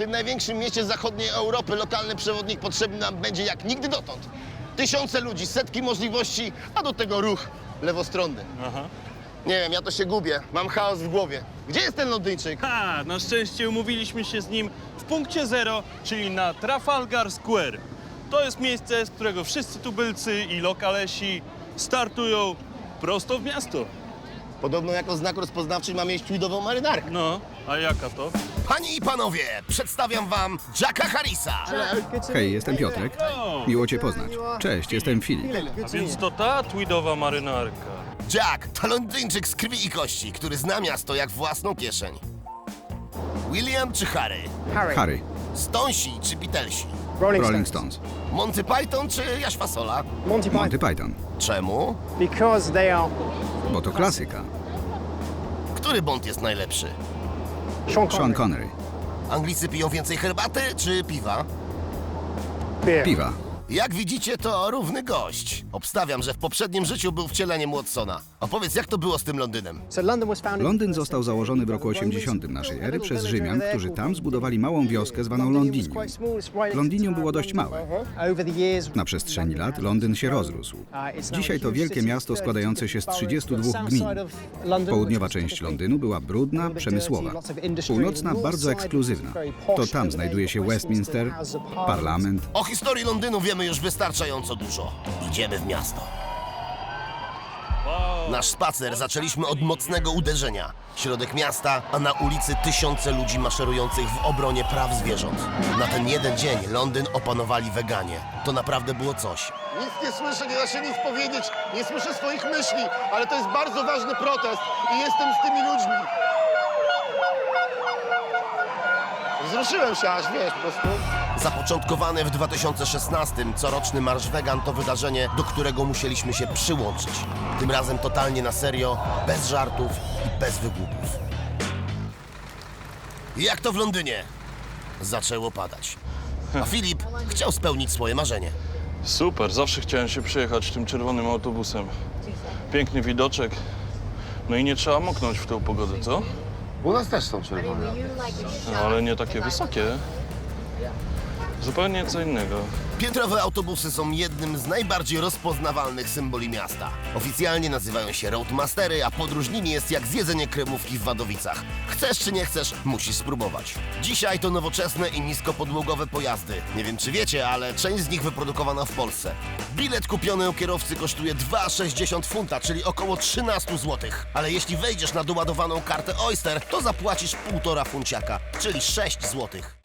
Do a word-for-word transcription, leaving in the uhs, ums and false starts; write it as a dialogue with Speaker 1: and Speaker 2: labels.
Speaker 1: tym największym mieście zachodniej Europy lokalny przewodnik potrzebny nam będzie jak nigdy dotąd. Tysiące ludzi, setki możliwości, a do tego ruch lewostronny.
Speaker 2: Aha.
Speaker 1: Nie wiem, ja to się gubię, mam chaos w głowie. Gdzie jest ten Londyńczyk?
Speaker 2: Ha, na szczęście umówiliśmy się z nim w punkcie zero, czyli na Trafalgar Square. To jest miejsce, z którego wszyscy tubylcy i lokalesi startują prosto w miasto.
Speaker 1: Podobno jako znak rozpoznawczy ma mieć tweedową marynarkę.
Speaker 2: No, a jaka to?
Speaker 1: Panie i panowie, przedstawiam wam Jacka Harrisa.
Speaker 3: Hej, jestem Piotrek.
Speaker 2: O,
Speaker 3: Miło cię poznać. Cześć, jestem Filip.
Speaker 2: a więc to ta tweedowa marynarka.
Speaker 1: Jack to Londyńczyk z krwi i kości, który zna miasto jak własną kieszeń. William czy Harry?
Speaker 3: Harry,
Speaker 1: Stonesi czy Beatlesi?
Speaker 3: Rolling Stones,
Speaker 1: Monty Python czy Jaś Fasola?
Speaker 4: Monty
Speaker 3: Monty
Speaker 4: Python.
Speaker 3: Python.
Speaker 1: Czemu?
Speaker 4: Because they are
Speaker 3: Bo to klasyka.
Speaker 1: Który Bond jest najlepszy?
Speaker 4: Sean Connery.
Speaker 3: Sean Connery.
Speaker 1: Anglicy piją więcej herbaty czy piwa?
Speaker 4: Beer.
Speaker 3: Piwa.
Speaker 1: Jak widzicie, to równy gość. Obstawiam, że w poprzednim życiu był wcieleniem Watsona. Opowiedz, jak to było z tym Londynem?
Speaker 4: So London was founded-
Speaker 3: Londyn został założony w roku osiemdziesiątym naszej ery przez Rzymian, którzy tam zbudowali małą wioskę zwaną Londinium. Londinium było dość małe.
Speaker 4: Over the years,
Speaker 3: Na przestrzeni lat Londyn się rozrósł. Dzisiaj to wielkie miasto składające się z trzydziestu dwóch gmin. Południowa część Londynu była brudna, przemysłowa. Północna bardzo ekskluzywna. To tam znajduje się Westminster, parlament.
Speaker 1: O historii Londynu wiemy już wystarczająco dużo. Idziemy w miasto. Nasz spacer zaczęliśmy od mocnego uderzenia. Środek miasta, a na ulicy tysiące ludzi maszerujących w obronie praw zwierząt. Na ten jeden dzień Londyn opanowali weganie. To naprawdę było coś. Nic nie słyszę, nie da się nic powiedzieć, nie słyszę swoich myśli, ale to jest bardzo ważny protest i jestem z tymi ludźmi. Wzruszyłem się aż, wiesz, po prostu. Zapoczątkowany w dwa tysiące szesnastym coroczny Marsz Wegan to wydarzenie, do którego musieliśmy się przyłączyć. Tym razem totalnie na serio, bez żartów i bez wygłupów. I jak to w Londynie? Zaczęło padać. A Filip chciał spełnić swoje marzenie.
Speaker 2: Super, zawsze chciałem się przejechać tym czerwonym autobusem. Piękny widoczek. No i nie trzeba moknąć w tę pogodę, co?
Speaker 1: U nas też są czerwone.
Speaker 2: No, ale nie takie wysokie. Zupełnie co innego.
Speaker 1: Piętrowe autobusy są jednym z najbardziej rozpoznawalnych symboli miasta. Oficjalnie nazywają się Roadmastery, a podróż nimi jest jak zjedzenie kremówki w Wadowicach. Chcesz czy nie chcesz, musisz spróbować. Dzisiaj to nowoczesne i niskopodłogowe pojazdy. Nie wiem czy wiecie, ale część z nich wyprodukowana w Polsce. Bilet kupiony u kierowcy kosztuje dwa przecinek sześćdziesiąt funta, czyli około trzynaście złotych. Ale jeśli wejdziesz na doładowaną kartę Oyster, to zapłacisz półtora funciaka, czyli sześć złotych.